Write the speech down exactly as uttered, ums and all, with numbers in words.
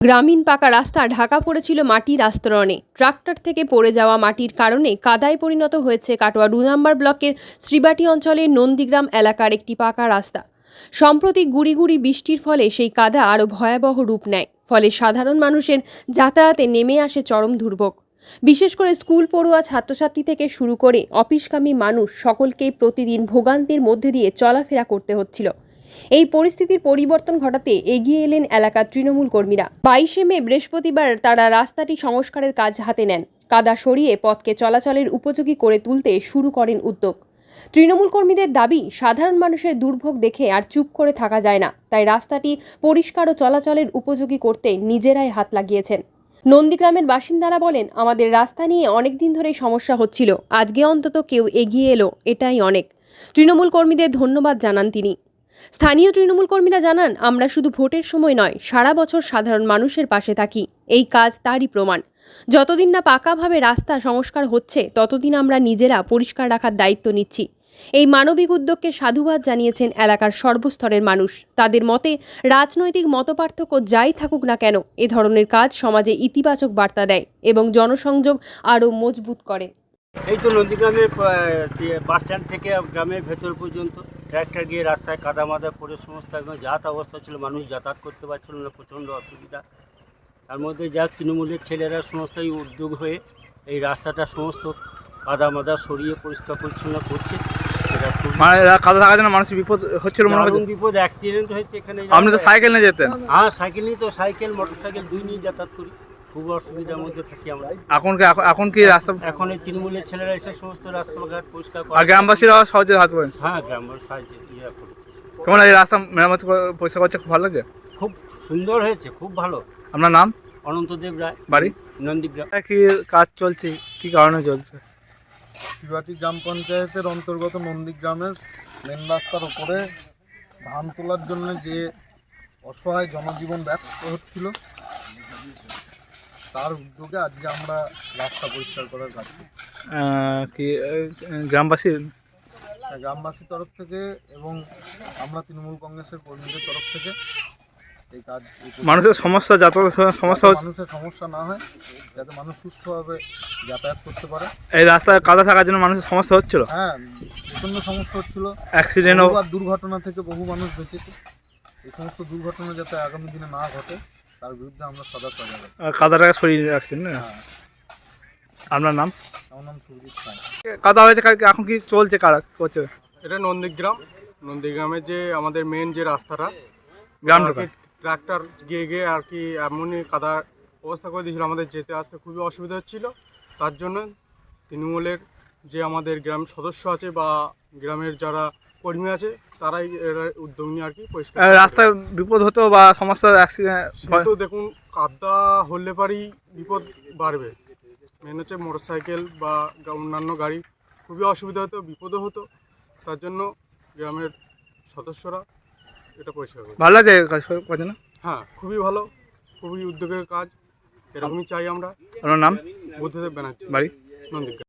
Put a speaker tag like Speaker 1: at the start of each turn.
Speaker 1: গ্রামীণ পাকা রাস্তা ঢাকা পড়েছিল মাটির আস্তরণে। ট্রাক্টর থেকে পড়ে যাওয়া মাটির কারণে কাদায় পরিণত হয়েছে কাটোয়া দু নম্বর ব্লকের শ্রীবাটি অঞ্চলের নন্দীগ্রাম এলাকার একটি পাকা রাস্তা। সম্প্রতি গুড়ি গুড়ি বৃষ্টির ফলে সেই কাদা আরও ভয়াবহ রূপ নেয়। ফলে সাধারণ মানুষের যাতায়াতে নেমে আসে চরম দুর্ভোগ। বিশেষ করে স্কুল পড়ুয়া ছাত্রছাত্রী থেকে শুরু করে অফিসগামী মানুষ সকলকেই প্রতিদিন ভোগান্তির মধ্যে দিয়ে চলাফেরা করতে হচ্ছিল। এই পরিস্থিতির পরিবর্তন ঘটাতে এগিয়ে এলেন এলাকার তৃণমূল কর্মীরা। বাইশে মে বৃহস্পতিবার তারা রাস্তাটি সংস্কারের কাজ হাতে নেন। কাদা সরিয়ে পথকে চলাচলের উপযোগী করে তুলতে শুরু করেন উদ্যোগ। তৃণমূল কর্মীদের দাবি, সাধারণ মানুষের দুর্ভোগ দেখে আর চুপ করে থাকা যায় না, তাই রাস্তাটি পরিষ্কার ও চলাচলের উপযোগী করতে নিজেরাই হাত লাগিয়েছেন। নন্দীগ্রামের বাসিন্দারা বলেন, আমাদের রাস্তা নিয়ে অনেক দিন ধরেই সমস্যা হচ্ছিল, আজকে অন্তত কেউ এগিয়ে এলো, এটাই অনেক। তৃণমূল কর্মীদের ধন্যবাদ জানান তিনি। স্থানীয় তৃণমূল কর্মীরা জানান, আমরা শুধু ভোটের সময় নয়, সারা বছর সাধারণ মানুষের পাশে থাকি। এই কাজ তারই প্রমাণ। যতদিন না পাকাভাবে রাস্তা সংস্কার হচ্ছে, ততদিন আমরা নিজেরা পরিষ্কার রাখার দায়িত্ব নিচ্ছি। এই মানবিক উদ্যোগকে সাধুবাদ জানিয়েছেন এলাকার সর্বস্তরের মানুষ। তাদের মতে, রাজনৈতিক মতপার্থক্য যাই থাকুক না কেন, এ ধরনের কাজ সমাজে ইতিবাচক বার্তা দেয় এবং জনসংযোগ আরও মজবুত করে।
Speaker 2: এই তো নন্দীগ্রামের বাস স্ট্যান্ড থেকে গ্রামের ভেতর পর্যন্ত ট্র্যাক্টর গিয়ে রাস্তায় কাদা মাদা পড়ে সমস্ত একদম যাতায়াত অবস্থা ছিল, মানুষ যাতায়াত করতে পারছিল না, প্রচণ্ড অসুবিধা। তার মধ্যে যা তৃণমূলের ছেলেরা সমস্তই উদ্যোগ হয়ে এই রাস্তাটা সমস্ত কাদা মাদা সরিয়ে পরিষ্কার পরিচ্ছন্ন করছে।
Speaker 3: মানে কাদা থাকার জন্য মানুষের বিপদ হচ্ছিল, মনে হয়
Speaker 2: বিপদ, অ্যাক্সিডেন্ট হয়েছে এখানে।
Speaker 3: আপনি তো সাইকেল নিয়ে যেতেন?
Speaker 2: হ্যাঁ, সাইকেল নিয়ে তো সাইকেল মোটর সাইকেল দুই নিয়ে যাতায়াত করি, খুব অসুবিধার মধ্যে থাকি আমরা।
Speaker 3: এখন কি এখন কি রাস্তা
Speaker 2: এখন এই তৃণমূলের ছেলেরা এসে সমস্ত রাস্তাঘাট পরিষ্কার করে,
Speaker 3: আর গ্রামবাসীরা সহজে হাত পায়।
Speaker 2: হ্যাঁ, গ্রামবাসী সাহায্য ইয়ে করছে।
Speaker 3: কেমন এই রাস্তা মেরামত পরিষ্কার করছে, খুব ভালো লাগে,
Speaker 2: খুব সুন্দর হয়েছে, খুব ভালো।
Speaker 3: আপনার নাম?
Speaker 2: অনন্তদেব রায়,
Speaker 3: বাড়ি
Speaker 2: নন্দীগ্রাম।
Speaker 3: কি কাজ চলছে, কি কারণে চলছে?
Speaker 4: শ্রীবাটি গ্রাম পঞ্চায়েতের অন্তর্গত নন্দীগ্রামের মেন রাস্তার ওপরে ধান তোলার জন্য যে অসহায় জনজীবন ব্যস্ত হচ্ছিল, তার উদ্যোগে আজকে আমরা রাস্তা পরিষ্কার করার কাজ করি।
Speaker 3: কি গ্রামবাসী
Speaker 4: গ্রামবাসীর তরফ থেকে এবং আমরা তৃণমূল কংগ্রেসের কর্মীদের তরফ থেকে এই কাজ।
Speaker 3: মানুষের সমস্যা, যাতায়াত সমস্যা,
Speaker 4: মানুষের সমস্যা না হয়, যাতে মানুষ সুস্থভাবে যাতায়াত করতে পারে।
Speaker 3: এই রাস্তায় কাদা থাকার জন্য মানুষের সমস্যা হচ্ছিল।
Speaker 4: হ্যাঁ, প্রচণ্ড সমস্যা হচ্ছিল,
Speaker 3: অ্যাক্সিডেন্ট ও
Speaker 4: দুর্ঘটনা থেকে বহু মানুষ বেঁচেছে। এই সমস্ত দুর্ঘটনা যাতে আগামী দিনে না ঘটে, তার বিরুদ্ধে আমরা সজাগ থাকব।
Speaker 3: কাদাটাকে সরিয়ে রাখছেন না?
Speaker 4: হ্যাঁ।
Speaker 3: আপনার নাম?
Speaker 4: আমার নাম সুরজিৎ সাঁই।
Speaker 3: কাদা হয়েছে, এখন কি চলছে, কারা করছে?
Speaker 5: এটা নন্দীগ্রাম নন্দীগ্রামের যে আমাদের মেন যে রাস্তাটা,
Speaker 3: গ্রাম
Speaker 5: ট্রাক্টর গিয়ে গিয়ে আর কি এমনই কাদা অবস্থা করে দিয়েছিল, আমাদের যেতে আসতে খুবই অসুবিধা হচ্ছিল। তার জন্য তৃণমূলের যে আমাদের গ্রাম সদস্য আছে বা গ্রামের যারা কর্মী আছে, তারাই এরা উদ্যোগ নিয়ে আর কি পরিষ্কার।
Speaker 3: রাস্তায় বিপদ হতো বা সমস্যা, অ্যাক্সিডেন্ট
Speaker 5: তো দেখুন, কাদা হলে পারেই বিপদ বাড়বে। মেন হচ্ছে মোটর সাইকেল বা অন্যান্য গাড়ি খুবই অসুবিধা হতো, বিপদও হতো। তার জন্য গ্রামের সদস্যরা এটা পরিষ্কার করে।
Speaker 3: ভালো লাগে কাজ করছে না?
Speaker 5: হ্যাঁ, খুবই ভালো, খুবই উদ্যোগের কাজ, এরকমই চাই আমরা।
Speaker 3: আপনার নাম?
Speaker 5: বুদ্ধদেব ব্যানার্জি,
Speaker 3: বাড়ি?
Speaker 5: নন্দীগ্রাম।